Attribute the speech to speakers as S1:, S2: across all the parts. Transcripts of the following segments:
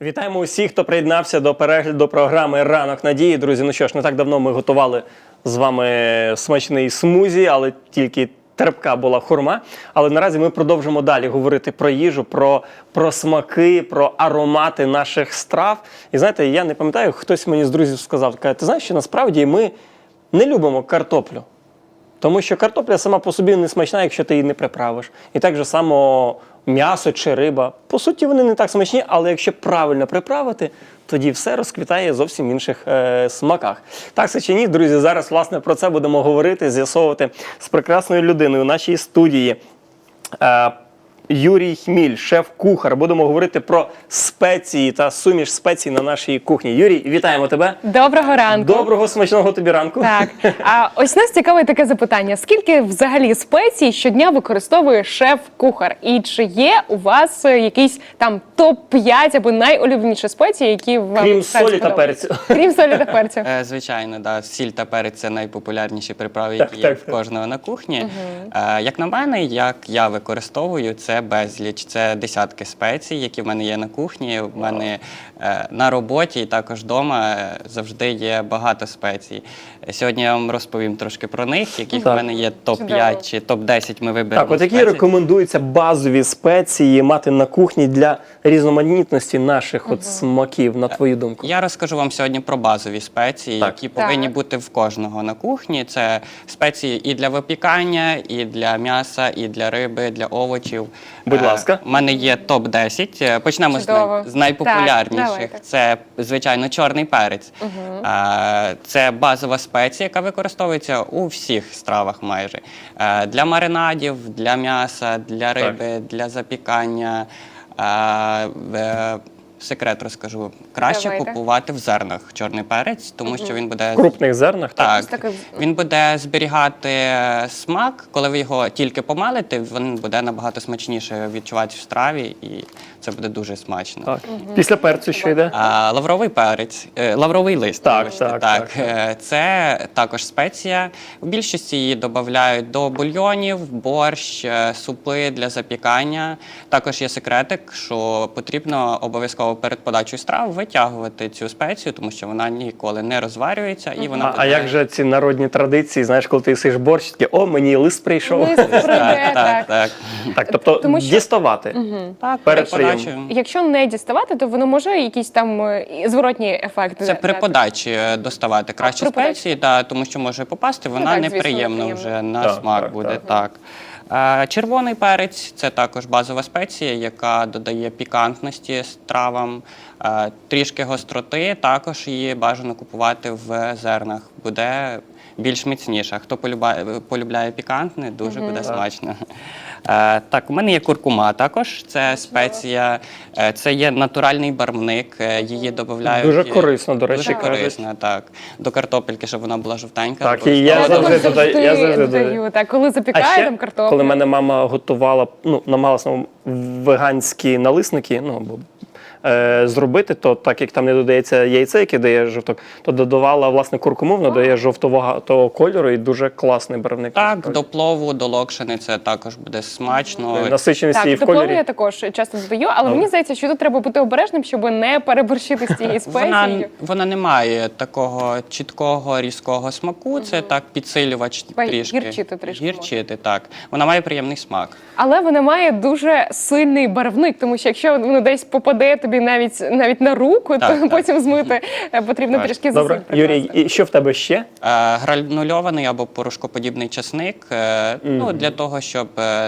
S1: Вітаємо усіх, хто приєднався до перегляду програми «Ранок надії». Друзі, ну що ж, не так давно ми готували з вами смачний смузі, але тільки терпка була хурма. Але наразі ми продовжимо далі говорити про їжу, про смаки, про аромати наших страв. І знаєте, я не пам'ятаю, хтось мені з друзів сказав, каже, ти знаєш, що насправді ми не любимо картоплю. Тому що картопля сама по собі не смачна, якщо ти її не приправиш. І так же само м'ясо чи риба. По суті, вони не так смачні, але якщо правильно приправити, тоді все розквітає в зовсім інших смаках. Так це чи ні, друзі, зараз, власне, про це будемо говорити, з'ясовувати з прекрасною людиною у нашій студії. Юрій Хміль, шеф-кухар. Будемо говорити про спеції та суміш спецій на нашій кухні. Юрій, вітаємо тебе.
S2: Доброго ранку.
S1: Доброго, смачного тобі ранку.
S2: Так. А ось нас цікавить таке запитання. Скільки взагалі спецій щодня використовує шеф-кухар? І чи є у вас якийсь там топ-5 або найулюбленіші спеції, які вам
S1: Крім солі та перцю.
S2: Крім солі та перцю.
S3: Звичайно, да. Сіль та перець – це найпопулярніші приправи,
S1: Так,
S3: які є
S1: так.
S3: в кожного на кухні. Як на мене, як я використовую, це безліч. Це десятки спецій, які в мене є на кухні. В мене на роботі і також вдома завжди є багато спецій. Сьогодні я вам розповім трошки про них, яких в мене є топ-5 чи топ-10 ми виберемо.
S1: Так, от які рекомендуються базові спеції мати на кухні для різноманітності наших от смаків, на твою думку?
S3: Я розкажу вам сьогодні про базові спеції,
S1: Так.
S3: які повинні
S2: Так.
S3: бути в кожного на кухні. Це спеції і для випікання, і для м'яса, і для риби, для овочів.
S1: Будь ласка.
S3: У мене є топ-10. Почнемо
S2: Чудово.
S3: з найпопулярніших.
S2: Так, давайте.
S3: Це, звичайно, чорний перець. Це базова спеція, яка використовується у всіх стравах майже. Для маринадів, для м'яса, для риби, для запікання. Секрет розкажу. Краще
S2: Давайте.
S3: купувати в зернах чорний перець, тому що він буде
S1: В крупних зернах?
S3: так,
S2: таке-
S3: він буде зберігати смак. Коли ви його тільки помалите, він буде набагато смачніше відчувати в страві, і це буде дуже смачно.
S1: Так. Після перцю що йде?
S3: Лавровий перець, лавровий лист.
S1: Так,
S3: вибачте,
S1: так.
S3: Це також спеція. У більшості її додають до бульйонів, борщ, супи для запікання. Також є секретик, що потрібно обов'язково перед подачею страв витягувати цю спецію, тому що вона ніколи не розварюється і вона
S1: А як же ці народні традиції, знаєш, коли ти їсиш борщ, такі, о, мені лист прийшов.
S2: Лист прийде, так.
S3: так.
S1: Тобто
S2: Тому що-
S1: діставати
S3: Так,
S1: перед
S3: подачею.
S1: прийомом.
S2: Якщо не діставати, то воно може якийсь там зворотній ефект.
S3: Це при
S2: дати?
S3: подачі доставати краще
S2: при подачі.
S3: спеції, тому що може попасти, вона
S2: так, звісно,
S3: неприємна
S2: неприємно.
S3: вже на
S1: Так,
S3: смак
S1: так,
S3: буде.
S1: так.
S3: Червоний перець – це також базова спеція, яка додає пікантності стравам, трішки гостроти, також її бажано купувати в зернах, буде більш міцніша. Хто полюбляє пікантне, дуже буде смачно. Так, у мене є куркума також, це спеція, це є натуральний барвник, її додають.
S1: Дуже корисно, до речі,
S3: Дуже
S1: кажуть.
S3: корисно, так. До картопельки, щоб вона була жовтенька.
S1: Так, і я
S3: обов'язково.
S1: завжди додаю. Я завжди
S2: додаю. Так, коли запікає там картоплю.
S1: коли мене мама готувала, намагалася веганські налисники, або зробити, то так як там не додається яйце, яке дає жовток, то додавала, власне, куркуму, воно дає жовтого кольору і дуже класний барвник.
S3: Так, до плову, до локшини це також буде смачно.
S1: Насиченість її
S2: Так,
S1: в
S2: до плову
S1: кольорі.
S2: я також часто додаю, але мені здається, що тут треба бути обережним, щоб не переборщити з цією спецією.
S3: Вона не має такого чіткого, різкого смаку, це так підсилювач трішки.
S2: Гірчити трішки
S3: Гірчити, так. Вона має приємний смак.
S2: Але вона має дуже сильний барвник, тому що якщо воно десь попаде тобі навіть на руку,
S3: Так,
S2: то
S3: так.
S2: потім змити потрібно
S3: Так.
S2: трішки зусиль
S1: Добре,
S2: прикласти.
S1: Юрій, і що в тебе ще?
S3: Гранульований або порошкоподібний часник, для того, щоб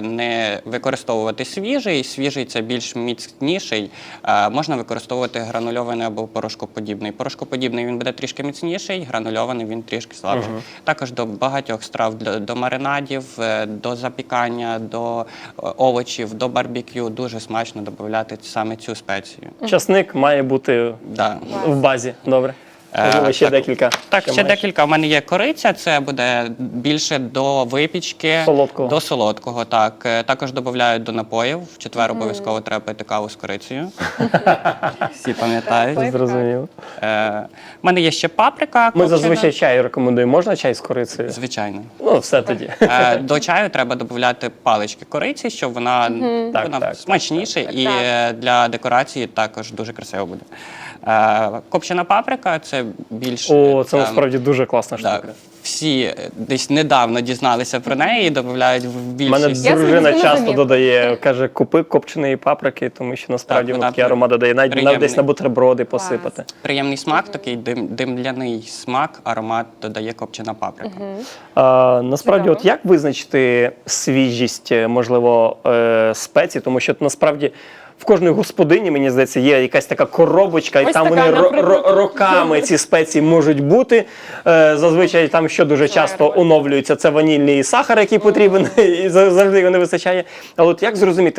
S3: не використовувати свіжий. Свіжий – це більш міцніший. Можна використовувати гранульований або порошкоподібний. Порошкоподібний він буде трішки міцніший, гранульований він трішки слабший. Також до багатьох страв, до маринадів, до запікання, до овочів, до барбекю дуже смачно додати саме цю спецію.
S1: Часник має бути
S3: Да.
S1: в базі. Добре. Можливо, ще
S3: Так.
S1: декілька.
S3: Так, ще
S1: маєш?
S3: декілька. У мене є кориця, це буде більше до випічки,
S1: Солодкого.
S3: до солодкого. Так. Також додають до напоїв. В четвер обов'язково треба пити каву з корицею. Всі пам'ятають.
S1: Зрозуміло.
S3: У мене є ще паприка.
S1: Ми
S3: копчена.
S1: зазвичай чай рекомендуємо. Можна чай з корицею?
S3: Звичайно.
S1: Ну, все тоді.
S3: До чаю треба додати палички кориці, щоб вона,
S1: Так.
S3: смачніша і для декорації також дуже красиво буде. Копчена паприка це більш
S1: О, це
S3: там,
S1: насправді дуже класна штука.
S3: так, всі десь недавно дізналися про неї і додають в
S1: У мене
S3: більшість.
S2: Я
S1: дружина
S2: собі
S1: часто
S2: зрозумів.
S1: додає, каже, купи копченої паприки, тому що насправді
S3: Так,
S1: воно
S3: вона
S1: такий аромат додає. Навіть
S3: приємний.
S1: десь на бутерброди посипати.
S3: Приємний смак, такий димляний смак, аромат додає копчена паприка.
S1: Насправді,
S2: Цікаво.
S1: от як визначити свіжість, можливо, спецій, тому що насправді в кожної господині, мені здається, є якась така коробочка, і
S2: Ось
S1: там
S2: така,
S1: вони
S2: наприклад.
S1: роками ці спеції можуть бути. Зазвичай там що дуже часто оновлюється, це ванільний сахар, який потрібен, і завжди його не вистачає. Але от як зрозуміти,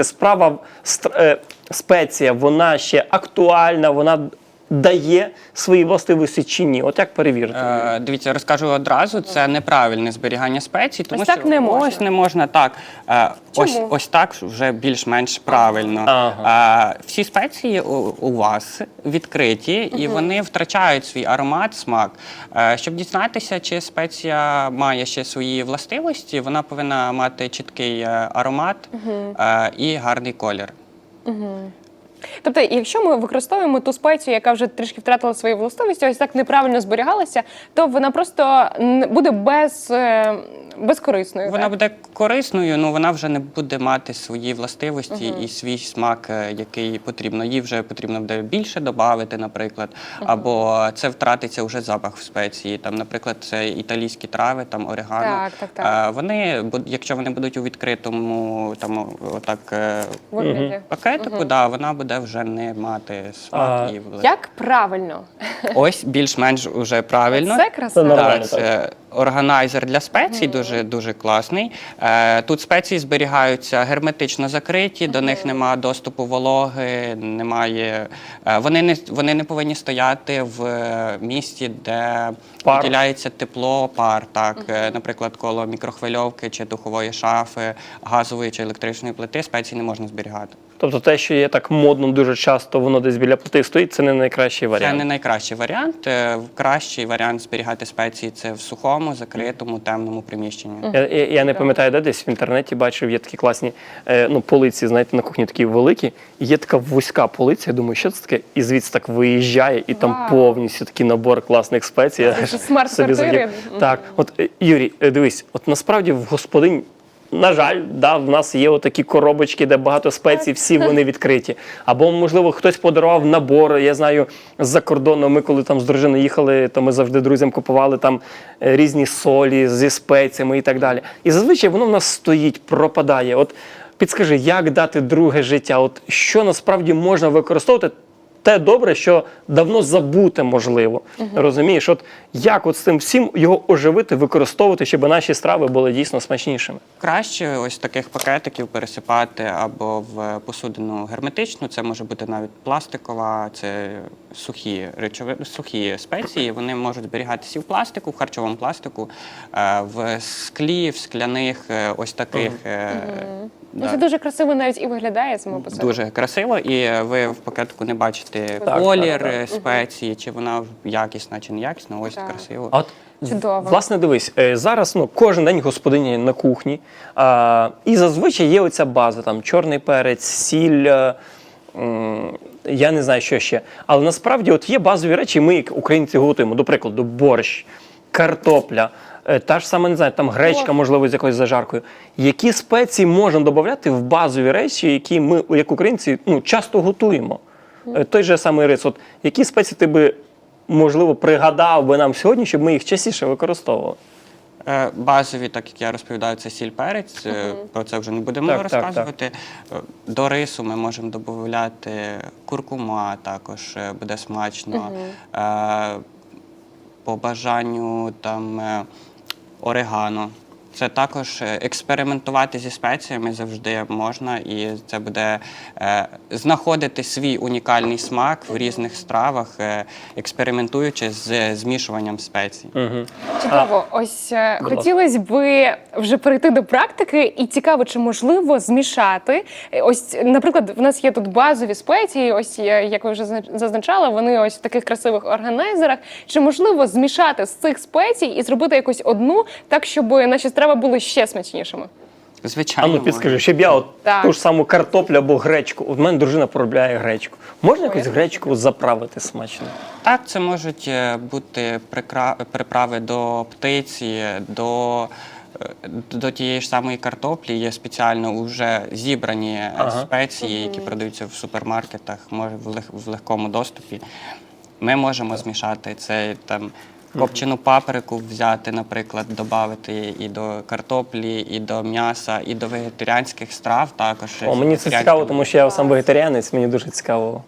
S1: спеція, вона ще актуальна, вона дає свої властивості чи ні? От як перевірити?
S3: Дивіться, розкажу одразу, це неправильне зберігання спецій, тому
S2: Ось так
S3: що
S2: не можна.
S3: ось не можна так.
S2: Чому?
S3: Ось так вже більш-менш правильно. Всі спеції у вас відкриті, і вони втрачають свій аромат, смак. Щоб дізнатися, чи спеція має ще свої властивості, вона повинна мати чіткий аромат і гарний колір.
S2: Тобто, якщо ми використовуємо ту спецію, яка вже трішки втратила свої властивості, ось так неправильно зберігалася, то вона просто буде безкорисною.
S3: Вона
S2: так?
S3: буде корисною, але вона вже не буде мати свої властивості і свій смак, який потрібно. Їй вже потрібно буде більше додати, наприклад, або це втратиться вже запах в спеції. Там, наприклад, це італійські трави, там орегано.
S2: Так.
S3: Вони, якщо вони будуть у відкритому там, отак,
S2: Вигляді.
S3: пакетику, да, вона буде вже не мати смак. І
S2: Як правильно?
S3: ось більш-менш вже правильно.
S2: Це красиво.
S1: Це нормально.
S3: Так, це органайзер для спецій, дуже класний. Тут спеції зберігаються герметично закриті, до них немає доступу вологи, немає. Вони не повинні стояти в місці, де
S1: Пар.
S3: виділяється тепло, пар. Так, наприклад, коло мікрохвильовки чи духової шафи, газової чи електричної плити спеції не можна зберігати.
S1: Тобто те, що є так модно дуже часто, воно десь біля плити стоїть, це не найкращий
S3: Це
S1: варіант.
S3: не найкращий варіант. Кращий варіант зберігати спеції це в сухому, закритому, темному приміщенні.
S1: Я не пам'ятаю, де десь в інтернеті бачив, є такі класні полиці, знаєте, на кухні такі великі. І є така вузька полиця, я думаю, що це таке? І звідси так виїжджає, і там
S2: Вау.
S1: повністю такий набор класних спецій. Я
S2: Це смарт-квартири.
S1: собі захотів. Так, от Юрій, дивись, от насправді в господинь, на жаль, да, в нас є отакі коробочки, де багато спецій, всі вони відкриті. Або, можливо, хтось подарував набор. Я знаю, з-за кордону, ми коли там з дружиною їхали, то ми завжди друзям купували там різні солі зі спеціями і так далі. І зазвичай воно в нас стоїть, пропадає. От підскажи, як дати друге життя? От що насправді можна використовувати? Те добре, що давно забуте, можливо. Розумієш, от як от з цим всім його оживити, використовувати, щоб наші страви були дійсно смачнішими?
S3: Краще ось таких пакетиків пересипати або в посудину герметичну, це може бути навіть пластикова, це сухі спеції, вони можуть зберігатися і в пластику, в харчовому пластику, в склі, в скляних, ось таких.
S2: Ну, це дуже красиво навіть і виглядає само по собі.
S3: Дуже красиво, і ви в пакетику не бачите
S1: Так,
S3: колір
S1: так.
S3: спеції, чи вона якісна, чи не якісна, ось
S2: Так.
S3: красиво.
S1: А от,
S2: Чудово.
S1: власне, дивись, зараз кожен день господиня на кухні, і зазвичай є оця база, там чорний перець, сіль, я не знаю, що ще. Але насправді от є базові речі, ми, як українці, готуємо. До прикладу, борщ, картопля, та ж сама, не знаю, там гречка, можливо, з якоюсь зажаркою. Які спеції можна додати в базові речі, які ми, як українці, часто готуємо? Той же самий рис. От які спеції ти би, можливо, пригадав би нам сьогодні, щоб ми їх частіше використовували?
S3: Базові, так як я розповідаю, це сіль, перець, про це вже не будемо
S1: Так,
S3: розказувати. До рису ми можемо додати куркума, також буде смачно. По бажанню там орегано. Це також експериментувати зі спеціями завжди можна, і це буде знаходити свій унікальний смак в різних стравах, експериментуючи з змішуванням спецій.
S2: Чудово. Ось хотілося б вже перейти до практики, і цікаво, чи можливо змішати. Ось, наприклад, в нас є тут базові спеції, ось як ви вже зазначали, вони ось в таких красивих органайзерах. Чи можливо змішати з цих спецій і зробити якусь одну, так, щоб наші страви були ще смачнішими?
S1: А
S3: Звичайно.
S1: ну підскажи, щоб я от
S2: Так.
S1: ту ж саму картоплю або гречку. У мене дружина полюбляє гречку. Можна якусь гречку заправити смачно?
S3: Так, це можуть бути приправи до птиці, до тієї ж самої картоплі. Є спеціально вже зібрані спеції, які продаються в супермаркетах, в легкому доступі. Ми можемо змішати це там. Копчену паприку взяти, наприклад, додати і до картоплі, і до м'яса, і до вегетаріанських страв також.
S1: О, мені це цікаво, тому що я сам вегетаріанець, мені дуже цікаво.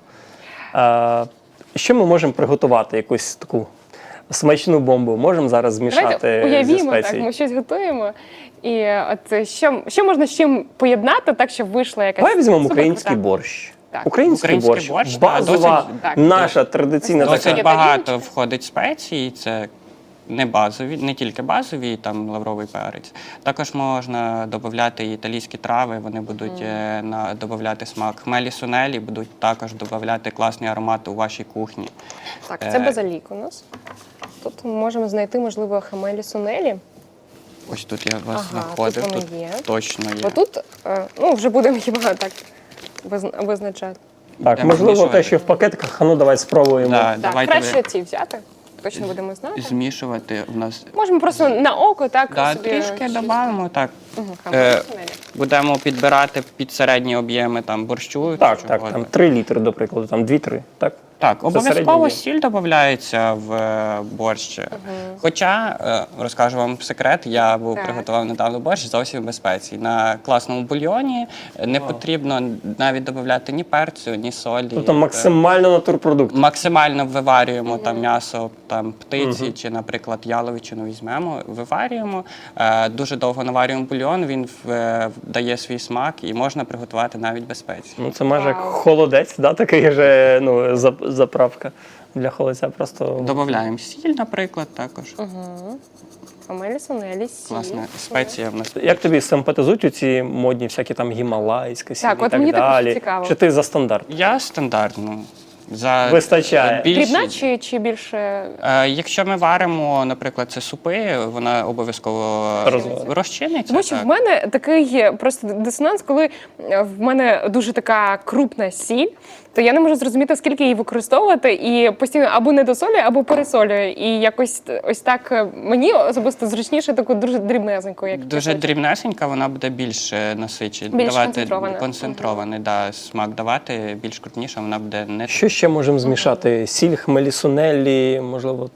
S1: Що ми можемо приготувати? Якусь таку смачну бомбу можемо зараз змішати
S2: Давайте
S1: зі
S2: уявімо,
S1: спецій?
S2: так, ми щось готуємо. І от що можна з чим поєднати, так, щоб вийшла якась
S1: Давай візьмемо
S2: суперкрута?
S1: український борщ.
S2: Так.
S1: Український борщ,
S3: борщ,
S1: базова,
S3: так,
S1: наша традиційна
S2: Досить
S1: така.
S3: Досить багато входить спецій, це не базові, не тільки базові, там лавровий перець. Також можна додати і італійські трави, вони будуть додати смак. Хмелі сунелі будуть також додати класний аромат у вашій кухні.
S2: Так, це базилік у нас. Тут ми можемо знайти, можливо, хамелі сунелі.
S3: Ось тут я вас
S2: Ага,
S3: знаходив,
S2: тут вони
S3: тут
S2: є.
S3: точно є.
S2: Бо тут, вже будемо хіба так визначати.
S1: Так,
S3: Будемо
S1: можливо, те,
S3: змішувати.
S1: що в пакетиках, а ну давай спробуємо.
S3: Да,
S2: Так,
S3: давайте
S2: краще ці взяти. Точно будемо знати.
S3: змішувати в нас.
S2: Можемо просто на око так
S3: Да,
S2: собі
S3: трішки
S2: щось-
S3: додамо, так.
S2: Хамелі сунелі.
S3: Будемо підбирати під середні об'єми там борщу.
S1: Так,
S3: чи
S1: так,
S3: чого.
S1: там 3 літри, до прикладу, там 2-3, так?
S3: Так,
S1: Це
S3: обов'язково
S1: середній
S3: сіль додається в борщ. Хоча, розкажу вам секрет, я
S2: Так.
S3: приготував недавно борщ зовсім без спецій. На класному бульйоні не потрібно навіть додати ні перцю, ні солі.
S1: Тобто максимально натурпродукт.
S3: Максимально виварюємо там м'ясо там, птиці чи, наприклад, яловичину візьмемо, виварюємо, дуже довго наварюємо бульйон, він дає свій смак і можна приготувати навіть без спецій.
S1: Ну, це майже як холодець, да, такий же, ну, заправка для холодця. Просто
S3: Додаємо сіль, наприклад, також.
S2: Хамелі сунелі, сіль.
S3: Класна спеція в нас.
S1: як тобі симпатизують ці модні всякі там гімалайська сіль
S2: Так,
S1: і
S2: от
S1: так
S2: мені також
S1: далі?
S2: цікаво.
S1: Чи ти за стандарт?
S3: Я стандартно.
S1: Вистачає.
S2: Дрібна чи більше?
S3: Якщо ми варимо, наприклад, це супи, вона обов'язково розчиниться.
S2: Тому що
S3: так.
S2: в мене такий просто дисонанс, коли в мене дуже така крупна сіль, то я не можу зрозуміти, скільки її використовувати, і постійно або недосолюю, або пересолюю. І якось ось так мені особисто зручніше таку дуже дрібнезеньку, як
S3: Дуже дрібнесенька, вона буде більш насичена.
S2: Більш концентрована.
S3: Концентрований, да, смак давати, більш крупніша, вона буде не
S1: Що ще можемо змішати? Сіль, хмелі сунелі, можливо,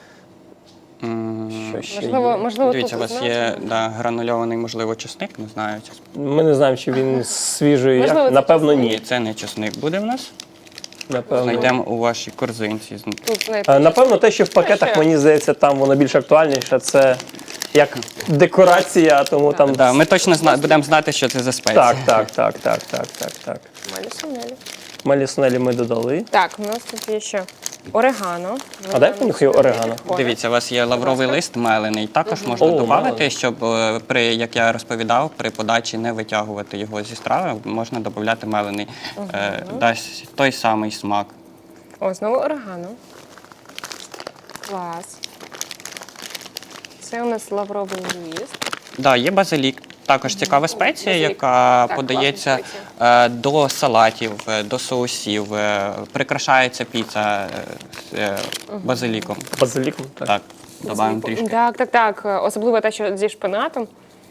S1: що ще є?
S2: Можливо,
S3: Дивіться, у
S2: тут
S3: вас є гранульований, можливо, чесник, не знаю.
S1: Ми не знаємо, чи він свіжий.
S2: Можливо,
S1: Як?
S2: це
S1: Напевно,
S3: Ні,
S1: ні.
S3: це не чесник буде в нас.
S1: Напевно.
S3: Знайдемо у вашій корзинці.
S2: тут знаєте,
S1: Напевно, те, що в пакетах,
S2: ще?
S1: мені здається, там воно більш актуальніше. Це як декорація, тому там.
S3: Да, ми точно будемо знати, що це за спеція.
S1: Так.
S2: хамелі сунелі.
S1: Хмелі сунелі ми додали.
S2: Так, у нас тут є ще орегано.
S1: А дай понюхаю орегано.
S3: Дивіться, у вас є лавровий лист мелений. Також можна
S1: О,
S3: додати,
S1: мелений.
S3: щоб як я розповідав, при подачі не витягувати його зі страви, можна додати мелений. Дасть той самий смак.
S2: О, знову орегано. Клас. Це у нас лавровий лист.
S3: Да, є базилік. Також цікава спеція,
S2: Базилік.
S3: яка
S2: Так,
S3: подається
S2: класна
S3: до салатів, до соусів. Прикрашається піца базиліком.
S1: Базиліком.
S3: Так, додаємо трішки.
S2: Так. Особливо те, що зі шпинатом.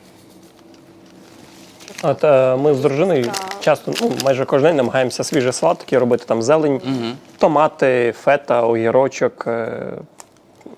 S1: От ми з дружиною часто, майже кожен день намагаємося свіжий салат такий робити, там зелень, томати, фета, огірочок.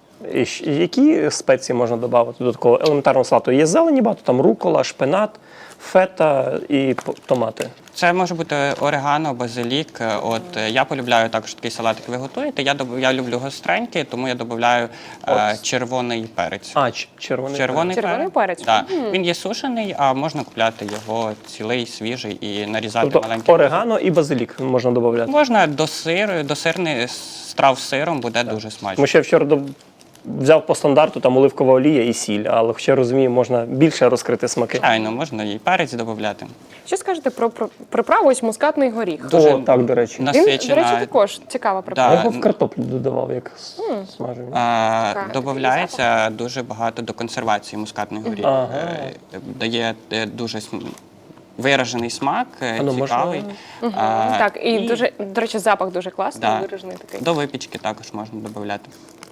S1: Які спеції можна додати до такого елементарного салату? Є зелені багато, там рукола, шпинат, фета і томати.
S3: Це може бути орегано, базилік. От я полюбляю також такий салатик. Ви готуєте. Я люблю гостренький, тому я додаю червоний перець.
S1: Червоний.
S2: Червоний перець?
S3: Да. Він є сушений, а можна купляти його цілий, свіжий і нарізати
S1: Тобто
S3: маленьким.
S1: орегано і базилік можна додати.
S3: Можна до сирних страв з сиром, буде дуже смачно.
S1: Тому що я вчора взяв по стандарту там оливкова олія і сіль, але хоча розумію, можна більше розкрити смаки.
S3: Звичайно, можна і перець додати.
S2: Що скажете про приправу ось мускатний горіх?
S3: Дуже
S1: О, так, до речі.
S2: Він,
S3: Насичена.
S2: до речі, також цікава
S1: Я
S2: приправа.
S1: його в картоплю додавав, як смажив.
S3: Додається дуже багато до консервації мускатних горіх.
S1: Ага.
S3: Дає дуже виражений смак,
S1: ну,
S3: цікавий.
S2: Так, і дуже, до речі, запах дуже класний,
S3: Да.
S2: виражений такий.
S3: До випічки також можна додати.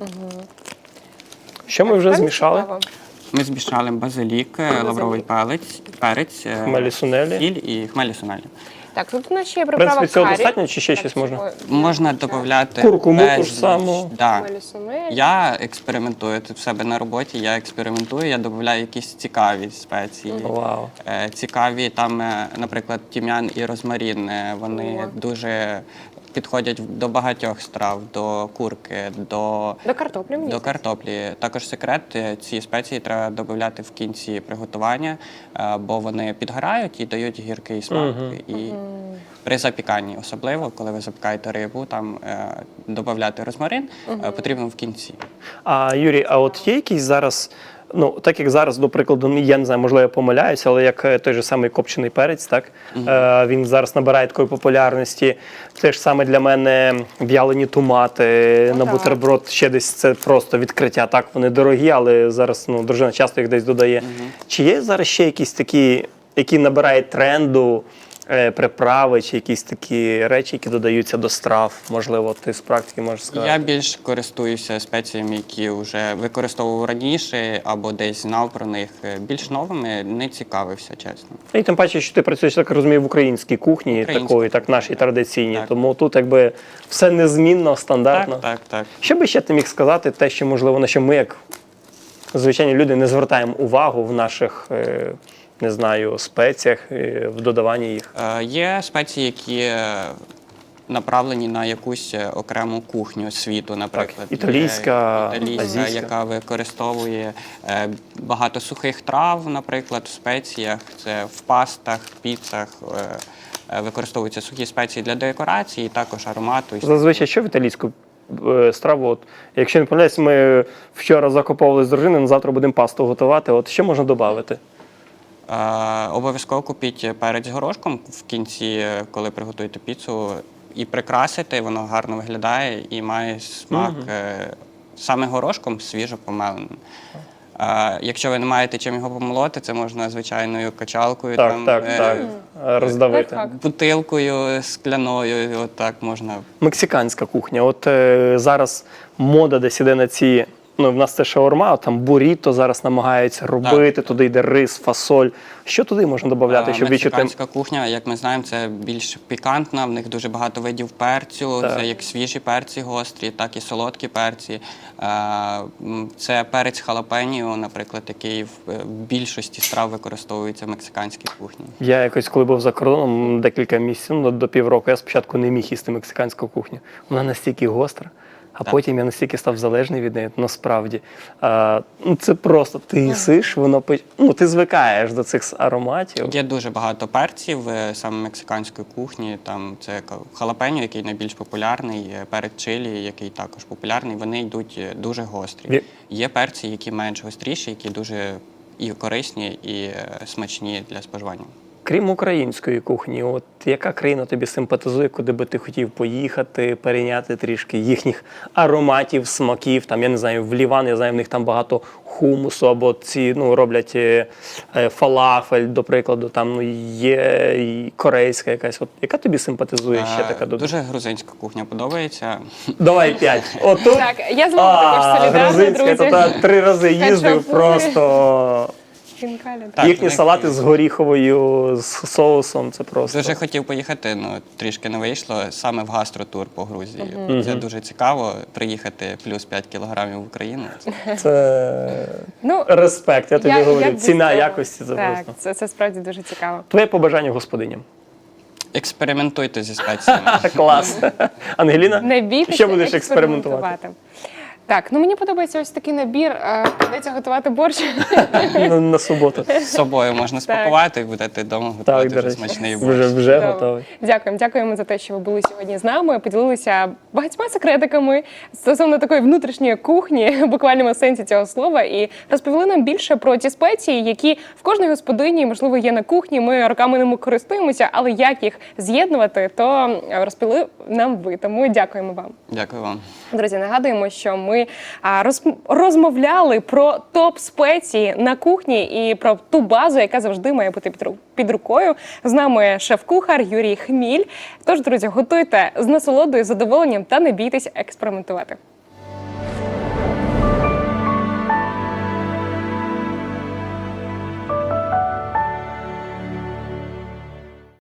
S1: Що ми вже
S2: Тепер
S1: змішали?
S2: цікаво.
S3: Ми змішали базилік, лавровий перець,
S1: Хмелі сунелі.
S3: сіль і хмелі сунелі.
S2: Так, тут у нас ще є
S1: В
S2: приправа
S1: принципі, цього
S2: карі.
S1: достатньо чи ще
S2: Так,
S1: щось можна?
S2: цього-
S3: Можна додати
S1: Куркуму ту ж саму.
S3: Да.
S2: Хмелі сунелі.
S3: Я експериментую тут в себе на роботі. Я експериментую, я додаю якісь цікаві спеції.
S1: Вау.
S3: Цікаві там, наприклад, тім'ян і розмарин. Вони дуже підходять до багатьох страв, до курки, до
S2: До картоплі, мені
S3: до
S2: здається.
S3: картоплі. Також секрет, ці спеції треба додати в кінці приготування, бо вони підгорають і дають гіркий смак. І при запіканні, особливо, коли ви запікаєте рибу, там додати розмарин потрібно в кінці.
S1: А Юрій, а от є якийсь зараз, ну так як зараз, до прикладу, я не знаю, можливо, я помиляюся, але як той же самий копчений перець, так він зараз набирає такої популярності. Те ж саме для мене в'ялені томати на
S2: так.
S1: бутерброд, ще десь це просто відкриття. Так, вони дорогі, але зараз дружина часто їх десь додає. Чи є зараз ще якісь такі, які набирають тренду? Приправи чи якісь такі речі, які додаються до страв, можливо, ти з практики можеш сказати?
S3: Я більш користуюся спеціями, які вже використовував раніше, або десь знав про них. Більш новими не цікавився, чесно.
S1: І тим паче, що ти працюєш, так розумію, в українській кухні,
S3: Українська
S1: такої, так нашій традиційній.
S3: Так.
S1: Тому тут якби все незмінно, стандартно.
S3: Так.
S1: Що би ще ти міг сказати, те, що можливо, на що ми, як звичайні люди, не звертаємо увагу в наших, не знаю, спеціях, в додаванні їх?
S3: Є спеції, які направлені на якусь окрему кухню світу, наприклад.
S1: італійська,
S3: Італійська,
S1: азійська.
S3: яка використовує багато сухих трав, наприклад, в спеціях, це в пастах, піцах. Використовуються сухі спеції для декорації, також аромату.
S1: Зазвичай, що в італійську страву? От, якщо не помиляюсь, ми вчора закуповували з дружиною, на завтра будемо пасту готувати. От що можна додати?
S3: Обов'язково купіть перець з горошком в кінці, коли приготуєте піцу, і прикрасити, воно гарно виглядає і має смак саме горошком свіжо помеленим. Якщо ви не маєте чим його помолоти, це можна звичайною качалкою,
S1: Так, роздавити.
S2: Так.
S3: бутилкою скляною, отак можна.
S1: Мексиканська кухня. От зараз мода десь іде на ці. Ну, в нас це шаурма, там буріто зараз намагаються робити, туди йде рис, фасоль. Що туди можна додати, щоб відчути?
S3: Мексиканська кухня, як ми знаємо, це більш пікантна, в них дуже багато видів перцю,
S1: Так.
S3: це як свіжі перці гострі, так і солодкі перці. Це перець халапеньо, наприклад, який в більшості страв використовується в мексиканській кухні.
S1: Я якось, коли був за кордоном декілька місяців, ну, до півроку, я спочатку не міг їсти мексиканську кухню. Вона настільки гостра. А потім я настільки став залежний від неї, насправді. Це просто, ти їсиш, воно, ти звикаєш до цих ароматів.
S3: Є дуже багато перців саме мексиканської кухні. Там це халапеньо, який найбільш популярний, перець чилі, який також популярний. Вони йдуть дуже гострі. Є перці, які менш гостріші, які дуже і корисні, і смачні для споживання.
S1: Крім української кухні, от яка країна тобі симпатизує, куди би ти хотів поїхати, перейняти трішки їхніх ароматів, смаків? Там, я не знаю, в Ліван, я знаю, в них там багато хумусу, або ці роблять фалафель, до прикладу, там є і корейська якась. От яка тобі симпатизує ще така?
S3: Дуже грузинська кухня подобається.
S1: Давай 5. Отут.
S2: Так, я з вами також солідарна,
S1: грузинська,
S2: друзі.
S1: то 3 рази їздив,
S2: Хачапурі.
S1: просто
S2: Хінкалі.
S3: Так,
S1: Їхні
S3: в них
S1: салати
S3: є.
S1: з горіховою, з соусом, це просто.
S3: Дуже хотів поїхати, ну трішки не вийшло, саме в гастротур по Грузії. Це дуже цікаво, приїхати плюс 5 кілограмів в Україну.
S1: Це
S2: Ну,
S1: респект, я тобі говорю.
S2: без
S1: Ціна
S2: цього.
S1: якості це
S2: Так,
S1: просто.
S2: це справді дуже цікаво.
S1: Твоє побажання господиням.
S3: Експериментуйте зі спеціями.
S1: Клас. Ангеліна,
S2: Не бійтеся
S1: що будеш експериментувати?
S2: Так, ну мені подобається ось такий набір. Придеться готувати борщ.
S1: На суботу.
S3: З собою можна спакувати і будете вдома
S1: Так,
S3: готувати
S1: до
S3: вже
S1: речі,
S3: смачний борщ.
S1: вже
S2: Чудово.
S1: готовий.
S2: Дякуємо за те, що ви були сьогодні з нами. Поділилися багатьма секретиками стосовно такої внутрішньої кухні, в буквальному сенсі цього слова, і розповіли нам більше про ті спеції, які в кожній господині, можливо, є на кухні. Ми роками ними користуємося, але як їх з'єднувати, то розповіли нам ви. Тому дякуємо вам.
S3: Дякую вам.
S2: Друзі, нагадуємо, що ми розмовляли про топ спеції на кухні і про ту базу, яка завжди має бути під рукою. З нами шеф-кухар Юрій Хміль. Тож, друзі, готуйте з насолодою, задоволенням та не бійтесь експериментувати.